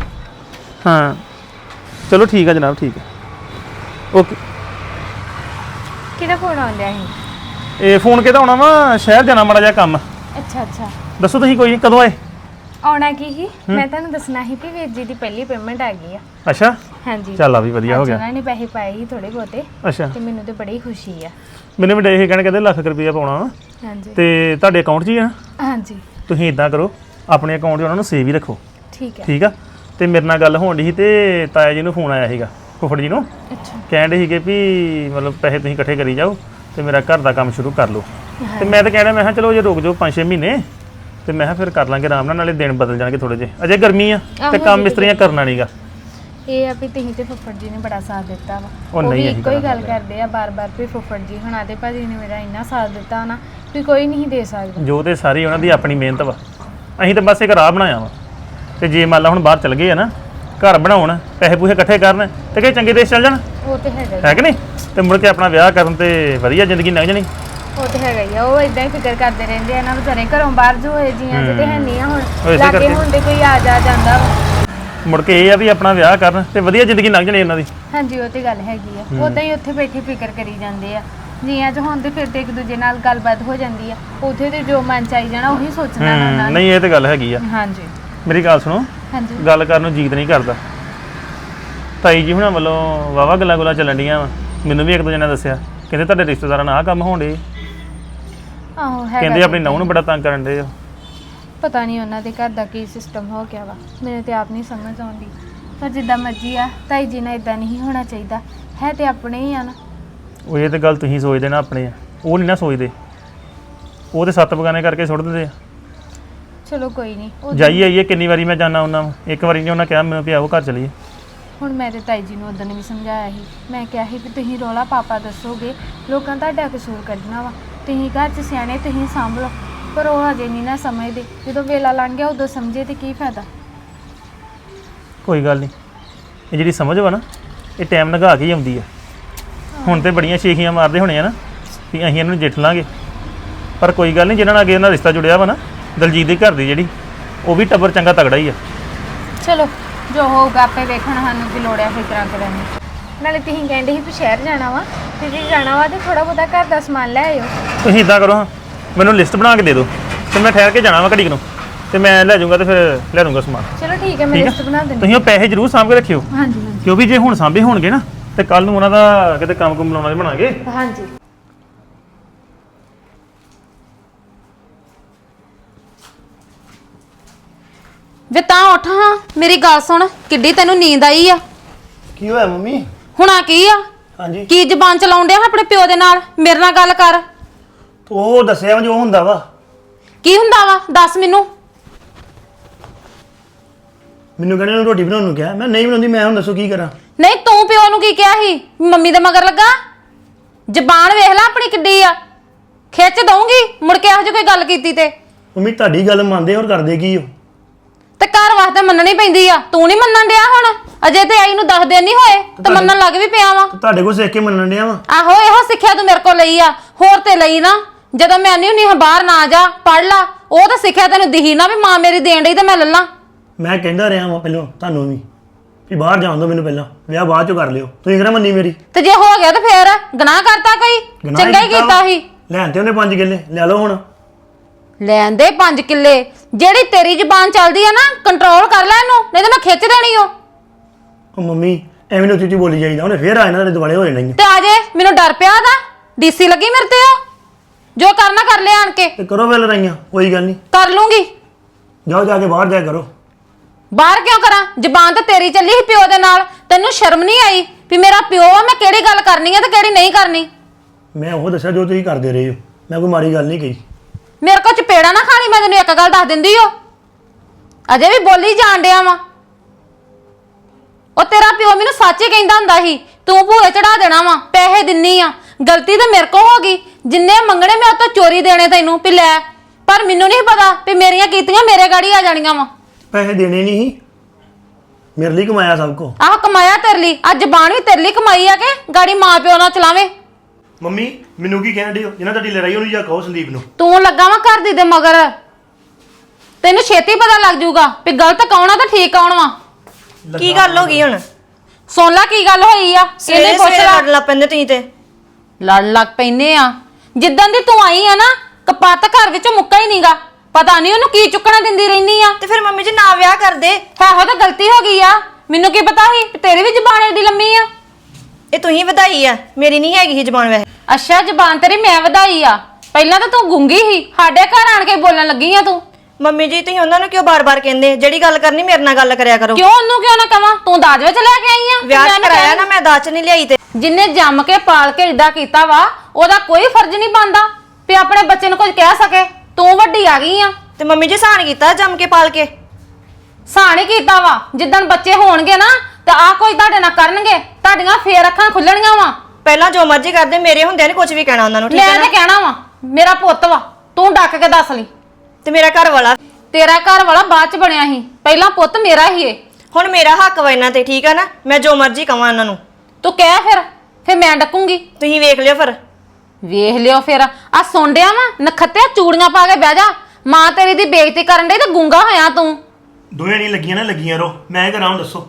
D: ਹਾਂ ਚਲੋ ਠੀਕ ਆ ਜਨਾਬ, ਠੀਕ ਹੈ, ਓਕੇ।
E: ਕਿਹਦਾ ਫੋਨ ਆਉਂਦਿਆ ਸੀ?
D: ਇਹ ਫੋਨ ਕਿਹਦਾ ਆਉਣਾ ਵਾ? ਸ਼ਹਿਰ ਜਾਣਾ ਮਾੜਾ ਜਿਹਾ ਕੰਮ।
E: ਅੱਛਾ ਅੱਛਾ,
D: ਦੱਸੋ ਤੁਸੀਂ ਕੋਈ ਨਹੀਂ, ਕਦੋਂ ਆਏ?
E: ਆਉਣਾ ਕੀ ਸੀ? ਮੈਂ ਤੁਹਾਨੂੰ ਦੱਸਣਾ ਸੀ ਕਿ ਵੀਰ ਜੀ ਦੀ ਪਹਿਲੀ ਪੇਮੈਂਟ ਆ ਗਈ ਆ।
D: ਅੱਛਾ
E: ਹਾਂਜੀ,
D: ਚੱਲ ਆ ਵੀ ਵਧੀਆ ਹੋ
E: ਅੱਜ
D: ਗਿਆ।
E: ਉਹਨਾਂ ਨੇ ਪੈਸੇ ਪਾਏ ਸੀ ਥੋੜੇ ਬਹੁਤੇ,
D: ਅੱਛਾ
E: ਤੇ ਮੈਨੂੰ ਤੇ ਬੜੀ ਖੁਸ਼ੀ ਆ।
D: ਮੈਨੂੰ ਵੀ ਇਹ ਕਹਿਣ ਕਹਿੰਦੇ ਲੱਖ ਰੁਪਈਆ ਪਾਉਣਾ ਵਾ
E: ਹਾਂਜੀ
D: ਤੇ ਤੁਹਾਡੇ ਅਕਾਊਂਟ 'ਚ ਹੀ ਆ।
E: ਹਾਂਜੀ
D: ਤੁਸੀਂ ਇਦਾਂ ਕਰੋ, ਆਪਣੇ ਅਕਾਊਂਟ 'ਚ ਉਹਨਾਂ ਨੂੰ ਸੇਵ ਹੀ ਰੱਖੋ,
E: ਠੀਕ ਹੈ।
D: ਠੀਕ ਆ? ਤੇ ਮੇਰੇ ਨਾਲ ਗੱਲ ਹੋਣ ਡਈ ਸੀ ਤੇ ਤਾਇਆ ਜੀ ਨੂੰ ਫੋਨ ਆਇਆ ਸੀਗਾ, ਫੁੱਫੜ ਜੀ ਨੂੰ।
E: ਅੱਛਾ
D: ਕਹਿਣ ਡੇ ਸੀਗੇ ਵੀ ਮਤਲਬ ਪੈਸੇ ਤੁਸੀਂ ਇਕੱਠੇ ਕਰੀ ਜਾਓ ਤੇ ਮੇਰਾ ਘਰ ਦਾ ਕੰਮ ਸ਼ੁਰੂ ਕਰ ਲਓ। ਤੇ ਮੈਂ ਤਾਂ ਕਹਿਣਾ, ਮੈਂ ਕਿਹਾ ਚਲੋ ਜੇ ਰੁਕ ਜਾਓ 5-6 ਮਹੀਨੇ ਤੇ ਮੈਂ ਕਿਹਾ ਫਿਰ ਕਰ ਲਾਂਗੇ ਆਰਾਮ ਨਾਲ, ਨਾਲੇ ਦਿਨ ਬਦਲ ਜਾਣਗੇ ਥੋੜੇ ਜਿਹੇ, ਅਜੇ ਗਰਮੀ ਆ ਤੇ ਕੰਮ ਮਿਸਤਰੀਆਂ ਕਰਨਾ ਨਹੀਂਗਾ।
E: ਇਹ ਆ ਵੀ ਤੁਸੀਂ ਤੇ ਫੁੱਫੜ ਜੀ ਨੇ ਬੜਾ ਸਾਥ ਦਿੱਤਾ ਵਾ।
D: ਉਹ ਨਹੀਂ,
E: ਵੀ
D: ਅਸੀਂ
E: ਇੱਕੋ ਹੀ
D: ਕਰਾਂਗੇ।
E: ਗੱਲ ਕਰਦੇ ਆ ਬਾਰ-ਬਾਰ ਵੀ ਫੁੱਫੜ ਜੀ ਹੁਣਾਂ ਦੇ ਭਾਜੀ ਨੇ ਮੇਰਾ ਇੰਨਾ ਸਾਥ ਦਿੱਤਾ ਨਾ ਵੀ ਕੋਈ ਨਹੀਂ ਦੇ ਸਕਦਾ।
D: ਜੋ ਤੇ ਸਾਰੀ ਉਹਨਾਂ ਦੀ ਆਪਣੀ ਮਿਹਨਤ ਵਾ, ਅਸੀਂ ਤਾਂ ਬਸ ਇੱਕ ਰਾਹ ਬਣਾਇਆ ਵਾ। ਤੇ ਜੇ ਮੰਨ ਲਾ ਹੁਣ ਬਾਹਰ ਚਲ ਗਏ ਆ ਨਾ, ਘਰ ਬਣਾਉਣ, ਪੈਸੇ ਪੂਸੇ ਇਕੱਠੇ ਕਰਨ ਤੇ ਕਈ ਚੰਗੇ ਦੇਸ਼ ਚੱਲ ਜਾਣ,
E: ਉਹ ਤੇ ਹੈਗਾ
D: ਹੈ ਕਿ ਨਹੀਂ? ਤੇ ਮੁੜ ਕੇ ਆਪਣਾ ਵਿਆਹ ਕਰਨ ਤੇ ਵਧੀਆ ਜ਼ਿੰਦਗੀ ਲੰਘ ਜਾਣੀ।
E: ਉਹ ਤੇ ਹੈਗਾ ਹੀ ਆ। ਉਹ ਇਦਾਂ ਹੀ ਫਿਕਰ ਕਰਦੇ ਰਹਿੰਦੇ ਆ ਨਾ ਵਿਚਾਰੇ, ਘਰੋਂ ਬਾਹਰ ਜੋ ਹੋਏ ਜੀਆਂ ਤੇ ਹੈ ਨਹੀਂ ਆ। ਹੁਣ
D: ਇਸੇ
E: ਲਾਗੇ
D: ਕਰਕੇ।
E: ਹੁਣ ਤੇ ਕੋਈ ਆ ਜਾ ਜਾਂਦਾ ਵਾ।
D: ਮੁੜ ਕੇ ਇਹ ਆ ਵੀ ਆਪਣਾ ਵਿਆਹ ਕਰਨ ਤੇ ਵਧੀਆ ਜ਼ਿੰਦਗੀ ਲੰਘ ਜਾਣੀ ਉਹਨਾਂ ਦੀ।
E: ਹਾਂਜੀ ਉਹ ਤੇ ਗੱਲ ਹੈਗੀ ਆ। ਉਦਾਂ ਹੀ ਉੱਥੇ ਬੈਠੇ ਫਿਕਰ ਕਰੀ ਜਾਂਦੇ ਆ ਜੀਆਂ ਚ। ਹੁਣ ਤੇ ਫਿਰ ਤੇ ਇੱਕ ਦੂਜੇ ਨਾਲ ਗੱਲਬਾਤ ਹੋ ਜਾਂਦੀ ਆ। ਉੱਥੇ ਤੇ ਜੋ ਮਨ ਚ ਆਈ ਜਾਣਾ ਉਹੀ ਸੋਚਣਾ ਨਾ ਉਹਨਾਂ ਨੇ।
D: ਨਹੀਂ ਇਹ ਤੇ ਗੱਲ ਹੈਗੀ ਆ।
E: ਹਾਂਜੀ
D: ਮੇਰੀ ਗੱਲ ਸੁਣੋ,
E: ਹਾਂਜੀ
D: ਗੱਲ ਕਰਨ ਨੂੰ ਜੀਤ ਨਹੀਂ ਕਰਦਾ। ਤਾਈ ਜੀ ਹੁਣਾਂ ਵੱਲੋਂ ਵਾਵਾ ਗੱਲਾਂ ਚੱਲਣ ਡੀਆਂ ਵਾ। ਮੈਨੂੰ ਵੀ ਇੱਕ ਦੋ ਜਣਾ ਦੱਸਿਆ, ਕਹਿੰਦੇ ਤੁਹਾਡੇ ਰਿਸ਼ਤੇਦਾਰਾਂ ਨਾਲ ਆਹ ਕੰਮ ਹੋਣ ਡੇ,
E: ਆਹੋ ਹੈਗਾ
D: ਕਹਿੰਦੇ
E: ਤੇ
D: ਆਪਣੀ ਨਹੁੰ ਨੂੰ ਬੜਾ ਤੰਗ ਕਰਨ ਡੇ ਆ।
E: ਪਤਾ ਨਹੀਂ ਉਹਨਾਂ ਦੇ ਘਰ ਦਾ ਕੀ ਸਿਸਟਮ ਹੋ ਗਿਆ ਵਾ, ਮੈਨੂੰ ਤੇ ਆਪ ਨਹੀਂ ਸਮਝ ਆਉਂਦੀ। ਪਰ ਜਿੱਦਾਂ ਮਰਜ਼ੀ ਆ, ਤਾਈ ਜੀ ਨਾਲ ਇਦਾਂ ਨਹੀਂ ਹੋਣਾ ਚਾਹੀਦਾ। ਹੈ ਤੇ ਆਪਣੇ ਹੀ ਆ ਨਾ।
D: ਉਹ ਇਹ ਤੇ ਗੱਲ ਤੁਸੀਂ ਸੋਚਦੇ ਨਾ ਆਪਣੇ ਆ, ਉਹ ਨਹੀਂ ਨਾ ਸੋਚਦੇ। ਉਹ ਤੇ 7 ਬਗਾਨੇ ਕਰਕੇ ਸੁੱਟ ਦਿੰਦੇ ਆ।
E: ਚਲੋ ਕੋਈ ਨਹੀਂ।
D: ਜਾਈਏ ਆਈਏ ਕਿੰਨੀ ਵਾਰੀ ਮੈਂ ਜਾਣਾ ਉਹਨਾਂ ਨੂੰ, ਇੱਕ ਵਾਰੀ ਨਹੀਂ ਉਹਨਾਂ ਕਿਹਾ ਮੈਨੂੰ ਵੀ ਆਓ ਘਰ ਚਲੀਏ।
E: ਹੁਣ ਮੈਂ ਤੇ ਤਾਈ ਜੀ ਨੂੰ ਉਦੋਂ ਵੀ ਸਮਝਾਇਆ ਸੀ। ਮੈਂ ਕਿਹਾ ਸੀ ਵੀ ਤੁਸੀਂ ਰੌਲਾ ਪਾਪਾ ਦੱਸੋਗੇ, ਲੋਕਾਂ ਤੁਹਾਡਾ ਕਸੂਰ ਕੱਢਣਾ ਵਾ। ਤੁਸੀਂ ਘਰ 'ਚ ਸਿਆਣੇ, ਤੁਸੀਂ ਸਾਂਭ ਲਓ। ਪਰ ਉਹ ਹਜੇ ਨਹੀਂ ਨਾ ਸਮਝਦੇ। ਜਦੋਂ ਵੇਲਾ ਲੰਘ ਗਿਆ ਉਦੋਂ ਸਮਝੇ ਤੇ ਕੀ ਫਾਇਦਾ।
D: ਕੋਈ ਗੱਲ ਨਹੀਂ, ਇਹ ਜਿਹੜੀ ਸਮਝ ਵਾ ਨਾ, ਇਹ ਟਾਈਮ ਲੰਘਾ ਕੇ ਹੀ ਆਉਂਦੀ ਆ। ਹੁਣ ਤੇ ਬੜੀਆਂ ਸ਼ੇਖੀਆਂ ਮਾਰਦੇ ਹੋਣੇ ਆ ਨਾ ਵੀ ਅਸੀਂ ਇਹਨੂੰ ਜਿੱਠ ਲਾਂਗੇ, ਪਰ ਕੋਈ ਗੱਲ ਨਹੀਂ, ਜਿਹਨਾਂ ਨਾਲ ਅੱਗੇ ਇਹਨਾਂ ਰਿਸ਼ਤਾ ਜੁੜਿਆ ਵਾ ਨਾ, ਦਲਜੀਤ ਦੇ ਘਰ ਦੀ ਜਿਹੜੀ, ਉਹ ਵੀ ਟੱਬਰ ਚੰਗਾ ਤਗੜਾ ਹੀ ਆ।
E: ਚਲੋ ਜੋ ਹੋਊਗਾ ਆਪੇ ਵੇਖਣ, ਸਾਨੂੰ ਕੀ ਲੋੜ ਆ ਫਿਕਰਾਂ ਕਰਨ ਦੀ। ਨਾਲੇ ਤੁਸੀਂ ਕਹਿੰਦੇ ਸੀ ਵੀ ਸ਼ਹਿਰ ਜਾਣਾ ਵਾ, ਤੇ ਜੇ ਜਾਣਾ ਵਾ ਤੇ ਥੋੜਾ ਬਹੁਤਾ ਘਰ ਦਾ ਸਮਾਨ ਲੈ ਆਇਓ।
D: ਤੁਸੀਂ ਇਦਾਂ ਕਰੋ, ਹਾਂ ਮੈਨੂੰ ਲਿਸਟ ਬਣਾ ਕੇ ਦੇ ਦਿਓ ਤੇ ਮੈਂ ਠਹਿਰ ਕੇ ਜਾਣਾ ਵਾ ਘੜੀ ਕੁ ਨੂੰ, ਤੇ ਮੈਂ ਲੈ ਜਾਊਂਗਾ ਤੇ ਫਿਰ ਲੈ ਲੂੰਗਾ ਸਮਾਨ।
E: ਚਲੋ ਠੀਕ ਹੈ, ਮੈਂ
D: ਠੀਕ ਆ?
E: ਲਿਸਟ ਬਣਾ ਦਿੰਦੀ।
D: ਤੁਸੀਂ ਉਹ ਪੈਸੇ ਜ਼ਰੂਰ ਸਾਂਭ ਕੇ ਰੱਖਿਓ,
E: ਹਾਂਜੀ ਹਾਂਜੀ
D: ਕਿਉਂਕਿ ਜੇ ਹੁਣ ਸਾਂਭੇ ਹੋਣਗੇ ਨਾ ਤੇ ਕੱਲ ਨੂੰ ਉਹਨਾਂ ਦਾ ਕਿਤੇ ਕੰਮ ਕੁਮ ਲਾਉਣਾ ਬਣਾਗੇ।
E: ਹਾਂਜੀ।
C: ਵੇ ਤਾਂ ਉੱਠ ਹਾਂ, ਮੇਰੀ ਗੱਲ ਸੁਣ। ਕਿੱਡੀ ਤੈਨੂੰ ਨੀਂਦ ਆਈ ਆ?
B: ਕੀ ਹੋਇਆ ਮੰਮੀ?
C: ਹੁਣਾ ਕੀ ਆ?
B: ਹਾਂਜੀ
C: ਕੀ ਜ਼ਬਾਨ ਚਲਾਉਣ ਡਿਆ ਆਪਣੇ ਪਿਓ ਦੇ ਨਾਲ? ਮੇਰੇ ਨਾਲ ਗੱਲ ਕਰ।
B: ਤੂੰ ਉਹ ਦੱਸਿਆ ਜੋ ਹੁੰਦਾ ਵਾ।
C: ਕੀ ਹੁੰਦਾ ਵਾ? ਦੱਸ ਮੈਨੂੰ।
B: ਮੈਨੂੰ ਕਹਿੰਦੇ ਨੂੰ ਰੋਟੀ ਬਣਾਉਣ ਨੂੰ ਕਿਹਾ, ਮੈਂ ਨਹੀਂ ਬਣਾਉਂਦੀ। ਮੈਂ ਹੁਣ ਦੱਸੋ ਕੀ ਕਰਾਂ?
C: ਨਹੀਂ ਤੂੰ ਪਿਓ ਨੂੰ ਕੀ ਕਿਹਾ ਸੀ? ਮੰਮੀ ਦੇ ਮਗਰ ਲੱਗਾ? ਜ਼ਬਾਨ ਵੇਖ ਲੈ ਆਪਣੀ ਕਿੱਡੀ ਆ। ਖਿੱਚ ਦਊਂਗੀ ਮੁੜ ਕੇ ਇਹੋ ਜਿਹੀ ਕੋਈ ਗੱਲ ਕੀਤੀ ਤੇ।
B: ਮੰਮੀ ਤੁਹਾਡੀ ਗੱਲ ਮੰਨਦੇ ਹੋਰ ਕਰਦੇ ਕੀ ਹੋ?
C: ਤੇ ਘਰ ਵਾਸਤੇ ਮੰਨਣੀ ਪੈਂਦੀ ਆ, ਤੂੰ ਨਹੀਂ ਮੰਨਣ ਡਿਆ ਹੁਣ। ਅਜੇ ਤੇ ਆਈ ਨੂੰ 10 ਦਿਨ ਨਹੀਂ ਹੋਏ ਤੇ ਮੰਨਣ ਲੱਗ ਵੀ ਪਿਆ ਵਾ।
B: ਤੁਹਾਡੇ ਕੋਲ ਸਿੱਖ ਕੇ ਮੰਨਣ ਡਿਆ ਵਾ।
C: ਆਹੋ ਇਹੋ ਸਿੱਖਿਆ ਤੂੰ ਮੇਰੇ ਕੋਲ ਲਈ ਆ, ਹੋਰ ਤੇ ਲਈ ਨਾ। ਜਦੋਂ ਮੈਂ ਨਹੀਂ ਹੁੰਨੀ ਬਾਹਰ ਨਾ ਜਾ ਪੜ ਲਾ, ਉਹ ਤਾਂ ਸਿੱਖਿਆ ਤੈਨੂੰ ਦਿਹੀ ਨਾ ਵੀ ਮਾਂ ਮੇਰੀ ਦੇਣ ਡਈ ਤੇ ਮੈਂ ਲੱਲਾਂ।
B: ਮੈਂ ਕਹਿੰਦਾ ਰਿਹਾ ਵਾਂ ਪਹਿਲਾਂ ਤੁਹਾਨੂੰ ਵੀ ਬਾਹਰ ਜਾਣ ਦਿਓ ਮੈਨੂੰ, ਪਹਿਲਾਂ ਵਿਆਹ ਬਾਅਦ ਚੋਂ ਕਰ ਲਿਓ। ਤੁਸੀਂ ਕਿਹੜਾ ਮੰਨੀ ਮੇਰੀ?
C: ਤੇ ਜੇ ਹੋ ਗਿਆ ਤੇ ਫੇਰ ਗੁਨਾਹ ਕਰਤਾ ਕੋਈ?
B: ਗੁਨਾਹ
C: ਚੰਗਾ ਹੀ ਕੀਤਾ ਸੀ।
B: ਲੈਣ ਤੇ ਉਹਨੇ 5 ਕਿੱਲੇ ਲੈ ਲਓ ਹੁਣ।
C: ਲੈਣ ਦੇ 5 ਕਿੱਲੇ। ਜਿਹੜੀ ਤੇਰੀ ਜ਼ੁਬਾਨ ਚੱਲਦੀ ਆ ਨਾ, ਕੰਟਰੋਲ ਕਰ ਲੈ ਇਹਨੂੰ, ਨਹੀਂ ਤਾਂ ਮੈਂ ਖਿੱਚ ਦੇਣੀ ਓ।
B: ਉਹ ਮੰਮੀ ਐਵੇਂ ਨੂੰ ਉੱਚੀ ਬੋਲੀ ਜਾਈਦਾ, ਉਹਨੇ ਫੇਰ ਆ ਇਹਨਾਂ ਦੇ ਦੁਆਲੇ ਹੋ ਜਾਣਾ ਹੀ ਆ।
C: ਤੇ ਆ ਜੇ ਮੈਨੂੰ ਡਰ ਪਿਆ ਦਾ ਡੀਸੀ ਲੱਗੀ ਮੇਰੇ ਤੇ। ਉਹ ਜੋ ਕਰਨਾ ਕਰ ਲਿਆ ਆਣ ਕੇ।
B: ਤੇ ਕਰੋ ਵੇ ਲੜਾਈਆਂ, ਕੋਈ ਗੱਲ ਨਹੀਂ,
C: ਕਰ ਲੂੰਗੀ।
B: ਜਾਓ ਜਾ ਕੇ ਬਾਹਰ ਜਾਇਆ ਕਰੋ।
C: ਬਾਹਰ ਕਿਉਂ ਕਰਾਂ? ਜ਼ਬਾਨ ਤਾਂ ਤੇਰੀ ਚੱਲੀ ਸੀ ਪਿਓ ਦੇ ਨਾਲ। ਤੈਨੂੰ ਸ਼ਰਮ ਨਹੀਂ ਆਈ ਵੀ ਮੇਰਾ ਪਿਓ ਆ, ਮੈਂ ਕਿਹੜੀ ਗੱਲ ਕਰਨੀ ਆ ਤੇ ਕਿਹੜੀ ਨਹੀਂ ਕਰਨੀ?
B: ਮੈਂ ਉਹ ਦੱਸਿਆ ਜੋ ਤੁਸੀਂ ਕਰਦੇ ਰਹੇ ਹੋ, ਮੈਂ ਕੋਈ ਮਾੜੀ ਗੱਲ ਨਹੀਂ ਕਹੀ।
C: ਮੇਰੇ ਕੋਲ ਚਪੇੜਾ ਨਾ ਖਾਣੀ, ਮੈਂ ਤੈਨੂੰ ਇੱਕ ਗੱਲ ਦੱਸ ਦਿੰਦੀ ਓ। ਅਜੇ ਵੀ ਬੋਲੀ ਜਾਣ ਡਿਆ ਵਾ। ਉਹ ਤੇਰਾ ਪਿਓ ਮੈਨੂੰ ਸੱਚ ਹੀ ਕਹਿੰਦਾ ਹੁੰਦਾ ਸੀ, ਤੂੰ ਭੂਏ ਚੜਾ ਦੇਣਾ ਵਾ, ਪੈਸੇ ਦਿੰਨੀ ਆ। ਗਲਤੀ ਤਾਂ ਮੇਰੇ ਕੋਲ ਹੋ ਗਈ, ਜਿੰਨੇ ਮੰਗਣੇ ਮੈਂ ਉਹ ਤੋਂ ਚੋਰੀ ਦੇਣੇ ਤੈਨੂੰ ਵੀ ਲੈ। ਪਰ ਮੈਨੂੰ ਨਹੀਂ ਪਤਾ ਵੀ ਮੇਰੀਆਂ ਕੀਤੀਆਂ ਮੇਰੇ ਗਾੜੀ ਆ ਜਾਣੀਆਂ ਵਾ।
B: ਪੈਸੇ ਦੇਣੇ ਨਹੀਂ ਸੀ, ਮੇਰੇ ਲਈ ਕਮਾਇਆ ਸਭ ਕੋ।
C: ਆਹ ਕਮਾਇਆ ਤੇਰੇ ਲਈ, ਆ ਜ਼ਬਾਨ ਵੀ ਤੇਰੇ ਲਈ ਕਮਾਈ ਆ ਕਿ ਗਾੜੀ ਮਾਂ ਪਿਓ ਨਾਲ ਚਲਾਵੇ।
B: ਮੰਮੀ ਮੈਨੂੰ ਕੀ ਕਹਿਣ ਦਿਓ? ਜਿਹਨਾਂ ਤੁਹਾਡੀ ਲੜਾਈ ਉਹਨੂੰ ਜਾ ਕਹੋ ਸੰਦੀਪ ਨੂੰ।
C: ਤੂੰ ਲੱਗਾ ਵਾ ਘਰ ਦੀ ਦੇ ਮਗਰ। ਤੈਨੂੰ ਛੇਤੀ ਪਤਾ ਲੱਗ ਜਾਊਗਾ ਵੀ ਗਲਤ ਕੌਣ ਆ ਤੇ ਠੀਕ ਕੌਣ ਵਾ।
F: ਕੀ ਗੱਲ ਹੋ ਗਈ ਹੁਣ?
C: ਸੁਣ ਲੈ ਕੀ ਗੱਲ ਹੋਈ ਆ, ਇਹਨੇ ਪੁੱਛ
F: ਸਵੇਰੇ
C: ਲੈ।
F: ਲੜ ਲੱਗ ਪੈਂਦੇ ਤੁਸੀਂ ਤੇ।
C: ਲੜ ਲੱਗ ਪੈਨੇ ਆ। ਜਿੱਦਾਂ ਦੀ ਤੂੰ ਆਈ ਆ ਨਾ, ਕਪੱਤ ਘਰ ਵਿੱਚੋਂ ਮੁੱਕਾ ਹੀ ਨਹੀਂਗਾ। ਪਤਾ ਨਹੀਂ ਉਹਨੂੰ ਕੀ ਚੁੱਕਣਾ ਦਿੰਦੀ ਰਹਿਨੀ ਆ।
F: ਤੇ ਫਿਰ ਮੰਮੀ ਜੀ ਨਾ ਵਿਆਹ ਕਰਦੇ।
C: ਇਹੋ ਤਾਂ ਗਲਤੀ ਹੋ ਗਈ ਆ। ਮੈਨੂੰ ਕੀ ਪਤਾ ਸੀ ਕਿ ਤੇਰੀ ਵੀ ਜ਼ਬਾਨ ਏਡੀ ਲੰਮੀ ਆ।
F: ਇਹ ਤੁਸੀਂ ਵਧਾਈ ਆ, ਮੇਰੀ ਨਹੀਂ ਹੈਗੀ ਸੀ ਜ਼ਬਾਨ ਵੈਸੇ।
C: ਅੱਛਾ ਜ਼ਬਾਨ ਤੇਰੀ ਮੈਂ ਵਧਾਈ ਆ? ਪਹਿਲਾਂ ਤਾਂ ਤੂੰ ਗੁੰਗੀ ਸੀ, ਸਾਡੇ ਘਰ ਆਣ ਕੇ ਬੋਲਣ ਲੱਗੀ ਆ ਤੂੰ।
F: ਮੰਮੀ ਜੀ ਤੁਸੀਂ ਉਹਨਾਂ ਨੂੰ ਕਿਉਂ ਬਾਰ-ਬਾਰ ਕਹਿੰਦੇ? ਜਿਹੜੀ ਗੱਲ ਕਰਨੀ ਮੇਰੇ ਨਾਲ ਗੱਲ ਕਰਿਆ ਕਰੋ।
C: ਕਿਉਂ ਉਹਨੂੰ ਕਿਉਂ ਨਾ ਕਵਾਂ? ਤੂੰ ਦਾਜ ਵਿੱਚ ਲੈ ਕੇ ਆਈ ਆ।
F: ਵਿਆਹ ਕਰਾਇਆ ਨਾ, ਮੈਂ ਦਾਜ ਨਹੀਂ ਲਿਆਈ। ਤੇ
C: ਜਿੰਨੇ ਜੰਮ ਕੇ ਪਾਲ ਕੇ ਏਦਾਂ ਕੀਤਾ ਵਾ, ਉਹਦਾ ਕੋਈ ਫਰਜ਼ ਨਹੀਂ ਬਣਦਾ ਵੀ ਆਪਣੇ ਬੱਚੇ ਨੂੰ ਕੁਝ ਕਹਿ ਸਕੇ। ਤੂੰ ਵੱਡੀ ਆ ਗਈ ਆ।
F: ਤੇ ਮੰਮੀ ਜੀ ਸਾਨ ਕੀਤਾ ਜੰਮ ਕੇ ਪਾਲ ਕੇ।
C: ਸਾਣ ਹੀ ਕੀਤਾ ਵਾ। ਜਿੱਦਣ ਬੱਚੇ ਹੋਣਗੇ ਨਾ ਤਾਂ ਆ ਕੋਈ ਤੁਹਾਡੇ ਨਾਲ ਕਰਨਗੇ, ਤੁਹਾਡੀਆਂ ਫੇਰ ਅੱਖਾਂ ਖੁੱਲਣੀਆਂ ਵਾ।
F: ਪਹਿਲਾਂ ਜੋ ਮਰਜ਼ੀ ਕਰਦੇ, ਮੇਰੇ ਹੁੰਦਿਆਂ ਨੇ ਕੁਝ ਵੀ ਕਹਿਣਾ ਉਹਨਾਂ ਨੂੰ, ਠੀਕ
C: ਮੈਂ
F: ਹੈ
C: ਤੇ
F: ਨਾ?
C: ਕਹਿਣਾ ਵਾ ਮੇਰਾ ਪੁੱਤ ਵਾ, ਤੂੰ ਡੱਕ ਕੇ ਦੱਸ ਲਈ।
F: ਤੇ ਮੇਰਾ ਘਰ ਵਾਲਾ।
C: ਤੇਰਾ ਘਰ ਵਾਲਾ ਬਾਅਦ ਚ ਬਣਿਆ ਸੀ, ਪਹਿਲਾਂ ਪੁੱਤ ਮੇਰਾ ਹੀ ਏ।
F: ਹੁਣ ਮੇਰਾ ਹੱਕ ਵਾ ਇਹਨਾਂ ਤੇ, ਠੀਕ ਹੈ ਨਾ? ਮੈਂ ਜੋ ਮਰਜ਼ੀ ਕਵਾਂ ਇਹਨਾਂ ਨੂੰ।
C: ਤੂੰ ਕਹਿ ਫਿਰ ਮੈਂ ਡੱਕੂੰਗੀ।
F: ਤੁਸੀਂ ਵੇਖ ਲਿਓ ਫਿਰ।
C: ਵੇਖ ਲਿਓ ਫਿਰ। ਆ ਸੁੰਡਿਆ ਵਾ ਨਖੱਤਿਆ, ਚੂੜੀਆਂ ਪਾ ਕੇ ਬਹਿ ਜਾ। ਮਾਂ ਤੇਰੀ ਦੀ ਬੇਇੱਜ਼ਤੀ ਕਰਨ ਡਈ ਤੇ ਗੁੰਗਾ ਹੋਇਆ ਤੂੰ।
B: ਦੋਵੇਂ ਨਹੀਂ ਲੱਗੀਆਂ ਨਾ, ਲੱਗੀਆਂ ਰੋ। ਮੈਂ ਕਰਾਂ ਦੱਸੋ?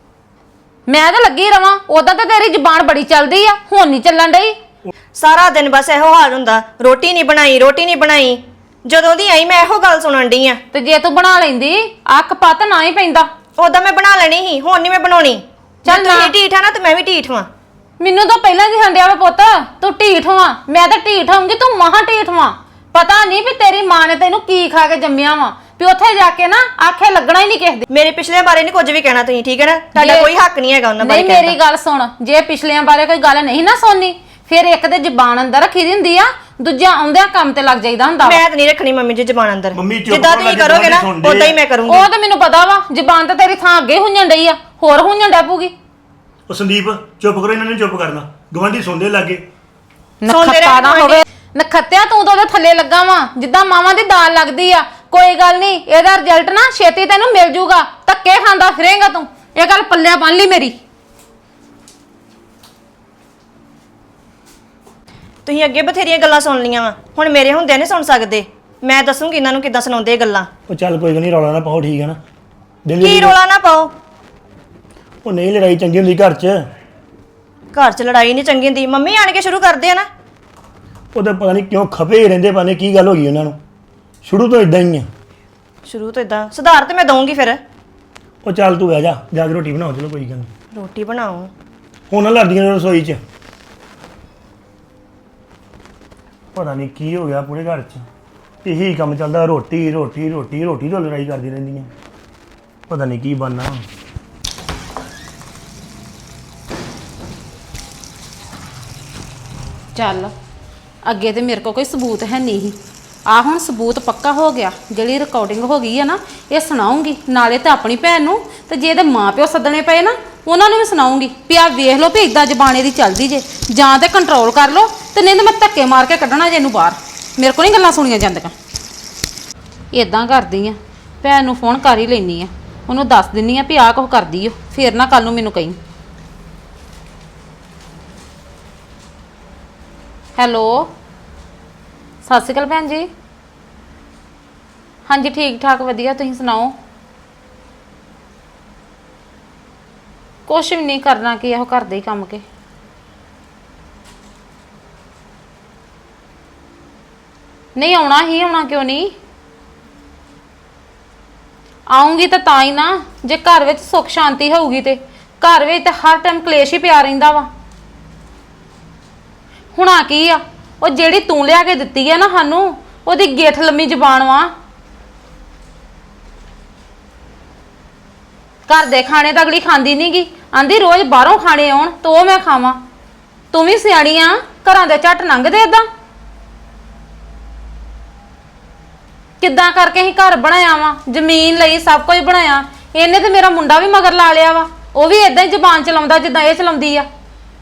C: ਮੈਂ ਤਾਂ ਲੱਗੀ ਰਵਾਂ। ਉਦਾਂ ਤਾਂ ਤੇਰੀ ਜ਼ੁਬਾਨ ਬੜੀ ਚੱਲਦੀ ਆ, ਹੁਣ ਨਹੀਂ ਚੱਲਣ ਡਈ।
F: ਸਾਰਾ ਦਿਨ ਬਸ ਇਹੋ ਹਾਲ ਹੁੰਦਾ, ਰੋਟੀ ਨਹੀਂ ਬਣਾਈ, ਰੋਟੀ ਨਹੀਂ ਬਣਾਈ। ਜਦੋਂ ਦੀ ਆਈ ਮੈਂ ਇਹੋ ਗੱਲ ਸੁਣਨ ਡਈ ਆ।
C: ਤੇ ਜੇ ਤੂੰ ਬਣਾ ਲੈਂਦੀ, ਅੱਖ ਪੱਤ ਨਾ ਹੀ ਪੈਂਦਾ।
F: ਉਦਾਂ ਮੈਂ ਬਣਾ ਲੈਣੀ ਸੀ, ਹੁਣ ਨਹੀਂ ਮੈਂ ਬਣਾਉਣੀ।
C: ਚੱਲ
F: ਚੱਲ
C: ਨਾ।
F: ਤੁਸੀਂ ਢੀਠ ਆ ਨਾ, ਤੇ ਮੈਂ ਵੀ ਢੀਠ ਵਾਂ।
C: ਮੈਨੂੰ ਤਾਂ ਪਹਿਲਾਂ ਹੀ ਹੰਡਿਆ ਵਾ ਪੁੱਤ, ਤੂੰ ਢੀਠ ਵਾਂ। ਮੈਂ ਤਾਂ ਢੀਠ ਹੋਊਂਗੀ, ਤੂੰ ਮਹਾ ਢੀਠ ਵਾਂ। ਪਤਾ ਨਹੀਂ ਵੀ ਤੇਰੀ ਮਾਂ ਨੇ ਤੈਨੂੰ ਕੀ ਖਾ ਕੇ ਜੰਮਿਆ ਵਾ, ਵੀ ਉੱਥੇ ਜਾ ਕੇ ਨਾ ਆਖੇ ਲੱਗਣਾ ਹੀ ਨਹੀਂ ਕਿਸੇ ਦੇ।
F: ਮੇਰੇ ਪਿਛਲੇ ਬਾਰੇ ਨਹੀਂ ਕੁਝ ਵੀ ਕਹਿਣਾ ਤੁਸੀਂ, ਠੀਕ ਹੈ ਨਾ? ਤੁਹਾਡਾ ਕੋਈ ਹੱਕ ਨਹੀਂ ਹੈਗਾ ਉਹਨਾਂ ਬਾਰੇ
C: ਨਹੀਂ, ਮੇਰੀ ਗੱਲ ਸੁਣ। ਜੇ ਪਿਛਲਿਆਂ ਬਾਰੇ ਕੋਈ ਗੱਲ ਨਹੀਂ ਨਾ ਸੁਣਨੀ, ਫਿਰ ਇੱਕ ਤੇ ਜ਼ਬਾਨ ਅੰਦਰ ਰੱਖੀ ਦੀ ਹੁੰਦੀ ਆ, ਦੂਜਾ ਆਉਂਦਿਆਂ ਕੰਮ ਤੇ ਲੱਗ ਜਾਈਦਾ ਹੁੰਦਾ ਵਾ।
F: ਮੈਂ ਤਾਂ ਨਹੀਂ ਰੱਖਣੀ ਮੰਮੀ ਜੀ ਜ਼ਬਾਨ ਅੰਦਰ।
B: ਮੰਮੀ ਚੁੱਪ
F: ਜਿੱਦਾਂ
B: ਕਰੋ,
F: ਤੁਸੀਂ
B: ਜਿੱਦਾਂ
F: ਕਰੋਗੇ ਨਾ,
B: ਸੁਣਦੇ
F: ਉਦਾਂ ਹੀ
B: ਆ।
F: ਮੈਂ ਕਰੂੰਗੀ।
C: ਉਹ ਤਾਂ ਮੈਨੂੰ ਪਤਾ ਵਾ, ਜ਼ਬਾਨ ਤਾਂ ਤੇਰੀ ਥਾਂ ਅੱਗੇ ਹੁੰਜਣ ਡਈ ਆ, ਹੋਰ ਹੁੰਜਣ ਡੈ ਪੂਗੀ।
B: ਉਹ ਸੰਦੀਪ ਚੁੱਪ ਕਰੋ, ਇਹਨਾਂ ਨੇ ਚੁੱਪ ਕਰਨਾ। ਗਵਾਂਢੀ ਸੁਣਦੇ ਲੱਗੇ।
C: ਨਖੱਤਾ ਨਾ ਹੋਵੇ। ਨਖੱਤਿਆ ਤੂੰ ਤਾਂ ਉਹਦੇ ਥੱਲੇ ਲੱਗਾ ਵਾ, ਜਿੱਦਾਂ ਮਾਵਾਂ ਦੀ ਦਾਲ ਲੱਗਦੀ ਆ। ਕੋਈ ਗੱਲ ਨਹੀਂ, ਇਹਦਾ ਰਿਜ਼ਲਟ ਨਾ ਛੇਤੀ ਤੈਨੂੰ ਮਿਲ ਜੂਗਾ। ਧੱਕੇ ਖਾਂਦਾ ਫਿਰੇਂਗਾ ਤੂੰ। ਇਹ ਗੱਲ ਪੱਲਿਆ ਬੰਨ ਲਈ ਮੇਰੀ।
F: ਤੁਸੀਂ ਅੱਗੇ ਬਥੇਰੀਆਂ ਗੱਲਾਂ ਸੁਣ ਲੀਆਂ ਵਾ, ਹੁਣ ਮੇਰੇ ਹੁੰਦਿਆਂ ਨਹੀਂ ਸੁਣ ਸਕਦੇ। ਮੈਂ ਦੱਸੂਗੀ ਇਹਨਾਂ ਨੂੰ ਕਿੱਦਾਂ ਸੁਣਾਉਂਦੇ ਇਹ ਗੱਲਾਂ।
B: ਉਹ ਚੱਲ ਕੋਈ ਗੱਲ ਨਹੀਂ, ਰੌਲਾ ਨਾ ਪਾਓ, ਠੀਕ ਹੈ ਨਾ?
F: ਕੀ ਰੋਲਾ ਨਾ ਪਾਓ।
B: ਉਹ ਨਹੀਂ ਲੜਾਈ ਚੰਗੀ ਹੁੰਦੀ ਘਰ 'ਚ।
F: ਘਰ 'ਚ ਲੜਾਈ ਨਹੀਂ ਚੰਗੀ ਹੁੰਦੀ। ਮੰਮੀ ਆਣ ਕੇ ਸ਼ੁਰੂ ਕਰਦੇ ਆ ਨਾ।
B: ਉਹਦੇ ਪਤਾ ਨਹੀਂ ਕਿਉਂ ਖਪੇ ਰਹਿੰਦੇ, ਪਤਾ ਨਹੀਂ ਕੀ ਗੱਲ ਹੋ ਗਈ ਉਹਨਾਂ ਨੂੰ। ਸ਼ੁਰੂ ਤੋਂ ਇਦਾਂ ਹੀ ਆ।
F: ਸ਼ੁਰੂ ਤੋਂ ਇਦਾਂ ਸੁਧਾਰ ਤੇ ਮੈਂ ਦਊਂਗੀ ਫਿਰ।
B: ਉਹ ਚੱਲ ਤੂੰ ਬਹਿ ਜਾ, ਜਾ ਕੇ ਰੋਟੀ ਬਣਾਓ। ਚਲੋ ਕੋਈ ਗੱਲ ਨਹੀਂ,
F: ਰੋਟੀ ਬਣਾਓ।
B: ਹੁਣ ਨਾ ਲੜਦੀਆਂ ਨੇ ਰਸੋਈ 'ਚ। ਪਤਾ ਨਹੀਂ ਕੀ ਹੋ ਗਿਆ ਪੂਰੇ ਘਰ 'ਚ, ਇਹੀ ਕੰਮ ਚੱਲਦਾ, ਰੋਟੀ ਰੋਟੀ ਰੋਟੀ ਰੋਟੀ ਤੋਂ ਲੜਾਈ ਕਰਦੀ ਰਹਿੰਦੀਆਂ। ਪਤਾ ਨਹੀਂ ਕੀ ਬਣਨਾ।
C: ਚੱਲ ਅੱਗੇ ਤੇ ਮੇਰੇ ਕੋਲ ਕੋਈ ਸਬੂਤ ਹੈ ਨਹੀਂ ਸੀ। ਆ ਹੁਣ ਸਬੂਤ ਪੱਕਾ ਹੋ ਗਿਆ। ਜਿਹੜੀ ਰਿਕਾਰਡਿੰਗ ਹੋ ਗਈ ਹੈ ਨਾ, ਇਹ ਸੁਣਾਉਂਗੀ ਨਾਲੇ ਤਾਂ ਆਪਣੀ ਭੈਣ ਨੂੰ, ਤੇ ਜੇ ਇਹਦੇ ਮਾਪਿਓ ਸੱਦਣੇ ਪਏ ਨਾ, ਉਹਨਾਂ ਨੂੰ ਵੀ ਸੁਣਾਉਂਗੀ ਵੀ ਆ ਵੇਖ ਲਓ ਵੀ ਇਦਾਂ ਜ਼ਬਾਨੇ ਦੀ ਚੱਲਦੀ ਜੇ, ਜਾਂ ਤੇ ਕੰਟਰੋਲ ਕਰ ਲਓ, ਤੇ ਨਹੀਂ ਤਾਂ ਮੈਂ ਧੱਕੇ ਮਾਰ ਕੇ ਕੱਢਣਾ ਜੇ ਇਹਨੂੰ ਬਾਹਰ। ਮੇਰੇ ਕੋਲ ਨਹੀਂ ਗੱਲਾਂ ਸੁਣੀਆਂ ਜਾਂਦੀਆਂ। ਇਦਾਂ ਕਰਦੀ ਆ, ਭੈਣ ਨੂੰ ਫੋਨ ਕਰ ਹੀ ਲੈਣੀ ਆ, ਉਹਨੂੰ ਦੱਸ ਦਿੰਨੀ ਆ ਵੀ ਆਹ ਕੁਝ ਕਰਦੀ ਓ, ਫੇਰ ਨਾ ਕੱਲ ਨੂੰ ਮੈਨੂੰ ਕਹੀਂ। ਹੈਲੋ, ਸਤਿ ਸ਼੍ਰੀ ਅਕਾਲ ਭੈਣ ਜੀ। ਹਾਂਜੀ ਠੀਕ ਠਾਕ ਵਧੀਆ, ਤੁਸੀਂ ਸੁਣਾਓ? ਕੁਛ ਵੀ ਨਹੀਂ ਕਰਨਾ, ਕੀ ਇਹੋ ਘਰ ਦੇ ਹੀ ਕੰਮ ਕੇ। ਨਹੀਂ ਆਉਣਾ ਹੀ, ਆਉਣਾ ਕਿਉਂ ਨਹੀਂ? ਆਉਂਗੀ ਤਾਂ ਹੀ ਨਾ, ਜੇ ਘਰ ਵਿੱਚ ਸੁੱਖ ਸ਼ਾਂਤੀ ਹੋਊਗੀ ਤੇ। ਘਰ ਵਿੱਚ ਤਾਂ ਹਰ ਟਾਈਮ ਕਲੇਸ਼ ਹੀ ਪਿਆ ਰਹਿੰਦਾ ਵਾ। ਹੁਣ ਆ ਕੀ ਆ, ਉਹ ਜਿਹੜੀ ਤੂੰ ਲਿਆ ਕੇ ਦਿੱਤੀ ਆ ਨਾ ਸਾਨੂੰ, ਉਹਦੀ ਗੇਠ ਲੰਮੀ ਜ਼ਬਾਨ ਵਾ। ਘਰ ਦੇ ਖਾਣੇ ਤਾਂ ਅਗਲੀ ਖਾਂਦੀ ਨੀ ਗੀ, ਆਂਦੀ ਰੋਜ਼ ਬਾਹਰੋਂ ਖਾਣੇ ਆਉਣ ਤਾਂ ਉਹ ਮੈਂ ਖਾਵਾਂ। ਤੂੰ ਵੀ ਸਿਆਣੀ ਆ, ਘਰਾਂ ਦੇ ਝੱਟ ਲੰਘਦੇ ਏਦਾਂ। ਕਿੱਦਾਂ ਕਰਕੇ ਅਸੀਂ ਘਰ ਬਣਾਇਆ ਵਾ, ਜ਼ਮੀਨ ਲਈ, ਸਭ ਕੁਝ ਬਣਾਇਆ। ਇਹਨੇ ਤੇ ਮੇਰਾ ਮੁੰਡਾ ਵੀ ਮਗਰ ਲਾ ਲਿਆ ਵਾ, ਉਹ ਵੀ ਏਦਾਂ ਹੀ ਜ਼ਬਾਨ ਚਲਾਉਂਦਾ ਜਿੱਦਾਂ ਇਹ ਚਲਾਉਂਦੀ ਆ।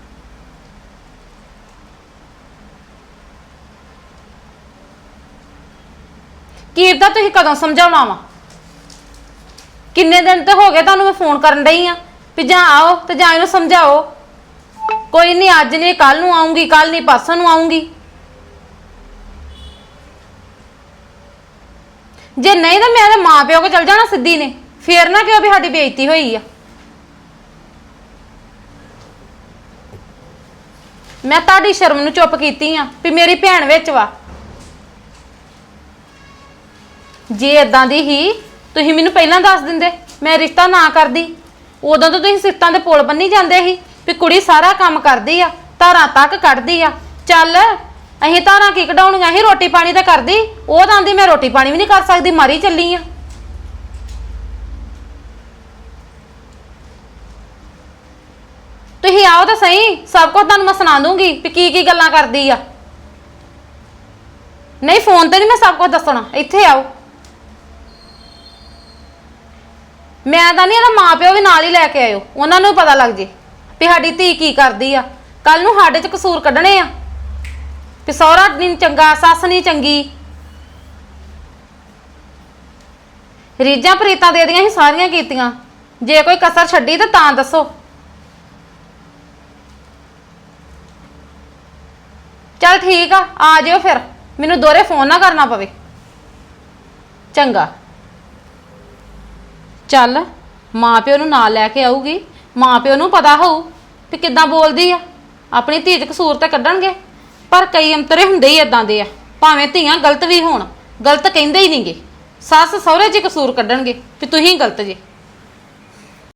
C: ਕੀ ਪਤਾ ਤੁਸੀਂ ਕਦੋਂ ਸਮਝਾਉਣਾ ਵਾ? ਕਿੰਨੇ ਦਿਨ ਤੇ ਹੋ ਗਏ ਤੁਹਾਨੂੰ ਮੈਂ ਫੋਨ ਕਰਨ ਡਈ ਆ ਵੀ ਜਾਂ ਆਓ ਤੇ ਜਾਂ ਇਹਨੂੰ ਸਮਝਾਓ। ਕੋਈ ਨਹੀਂ, ਅੱਜ ਨਹੀਂ ਕੱਲ ਨੂੰ ਆਉਂਗੀ, ਕੱਲ ਨਹੀਂ ਪਰਸੋਂ ਨੂੰ ਆਉਂਗੀ। ਜੇ ਨਹੀਂ ਤਾਂ ਮੈਂ ਤੇ ਮਾਂ ਪਿਓ ਕੋ ਚਲ ਜਾਣਾ ਸਿੱਧੀ ਨੇ, ਫੇਰ ਨਾ ਕਿਉਂ ਵੀ ਸਾਡੀ ਬੇਇੱਜ਼ਤੀ ਹੋਈ ਆ। ਮੈਂ ਤੁਹਾਡੀ ਸ਼ਰਮ ਨੂੰ ਚੁੱਪ ਕੀਤੀ ਆ ਵੀ ਮੇਰੀ ਭੈਣ ਵਿੱਚ ਵਾ। ਜੇ ਇਦਾਂ ਦੀ ਹੀ ਤੁਸੀਂ ਮੈਨੂੰ ਪਹਿਲਾਂ ਦੱਸ ਦਿੰਦੇ, ਮੈਂ ਰਿਸ਼ਤਾ ਨਾ ਕਰਦੀ। ਉਦੋਂ ਤਾਂ ਤੁਸੀਂ ਸਿੱਟਾਂ ਦੇ ਪੁਲ ਬੰਨੀ ਜਾਂਦੇ ਸੀ ਵੀ ਕੁੜੀ ਸਾਰਾ ਕੰਮ ਕਰਦੀ ਆ, ਧਾਰਾਂ ਤੱਕ ਕੱਢਦੀ ਆ। ਚੱਲ ਅਸੀਂ ਧਾਰਾਂ ਕੀ ਕਢਾਉਣੀਆਂ, ਅਸੀਂ ਰੋਟੀ ਪਾਣੀ ਤਾਂ ਕਰਦੀ। ਉਹ ਤਾਂ ਆਂਦੀ ਮੈਂ ਰੋਟੀ ਪਾਣੀ ਵੀ ਨਹੀਂ ਕਰ ਸਕਦੀ, ਮਾਰੀ ਚੱਲੀ ਆ। ਤੁਸੀਂ ਆਓ ਤਾਂ ਸਹੀ, ਸਭ ਕੁਝ ਤੁਹਾਨੂੰ ਮੈਂ ਸੁਣਾ ਦੂੰਗੀ ਵੀ ਕੀ ਕੀ ਗੱਲਾਂ ਕਰਦੀ ਆ। ਨਹੀਂ ਫੋਨ ਤੇ ਨਹੀਂ ਮੈਂ ਸਭ ਕੁਝ ਦੱਸਣਾ, ਇੱਥੇ ਆਓ। ਮੈਂ ਤਾਂ ਨਹੀਂ, ਇਹਦਾ ਮਾਂ ਪਿਓ ਵੀ ਨਾਲ ਹੀ ਲੈ ਕੇ ਆਇਓ, ਉਹਨਾਂ ਨੂੰ ਪਤਾ ਲੱਗ ਜੇ ਵੀ ਸਾਡੀ ਧੀ ਕੀ ਕਰਦੀ ਆ। ਕੱਲ ਨੂੰ ਸਾਡੇ 'ਚ ਕਸੂਰ ਕੱਢਣੇ ਆ ਵੀ ਸਹੁਰਾ ਨਹੀਂ ਚੰਗਾ, ਸੱਸ ਨਹੀਂ ਚੰਗੀ। ਰੀਝਾਂ ਪ੍ਰੀਤਾਂ ਦੇ ਦੀਆਂ ਹੀ ਸਾਰੀਆਂ ਕੀਤੀਆਂ, ਜੇ ਕੋਈ ਕਸਰ ਛੱਡੀ ਤਾਂ ਦੱਸੋ। ਚੱਲ ਠੀਕ ਆ ਜਿਓ ਫਿਰ, ਮੈਨੂੰ ਦੋਹਰੇ ਫੋਨ ਨਾ ਕਰਨਾ ਪਵੇ। ਚੰਗਾ। ਚੱਲ ਮਾਂ ਪਿਓ ਨੂੰ ਨਾਲ ਲੈ ਕੇ ਆਊਗੀ, ਮਾਂ ਪਿਓ ਨੂੰ ਪਤਾ ਹੋਊ ਵੀ ਕਿੱਦਾਂ ਬੋਲਦੀ ਆ। ਆਪਣੀ ਧੀ 'ਚ ਕਸੂਰ ਤੇ ਕੱਢਣਗੇ, ਪਰ ਕਈ ਅੰਤਰੇ ਹੁੰਦੇ ਹੀ ਇਦਾਂ ਦੇ ਆ। ਭਾਵੇਂ ਧੀਆਂ ਗਲਤ ਵੀ ਹੋਣ, ਗਲਤ ਕਹਿੰਦੇ ਹੀ ਨਹੀਂਗੇ। ਸੱਸ ਸਹੁਰੇ 'ਚ ਕਸੂਰ ਕੱਢਣਗੇ ਵੀ ਤੁਸੀਂ ਗਲਤ ਜੇ।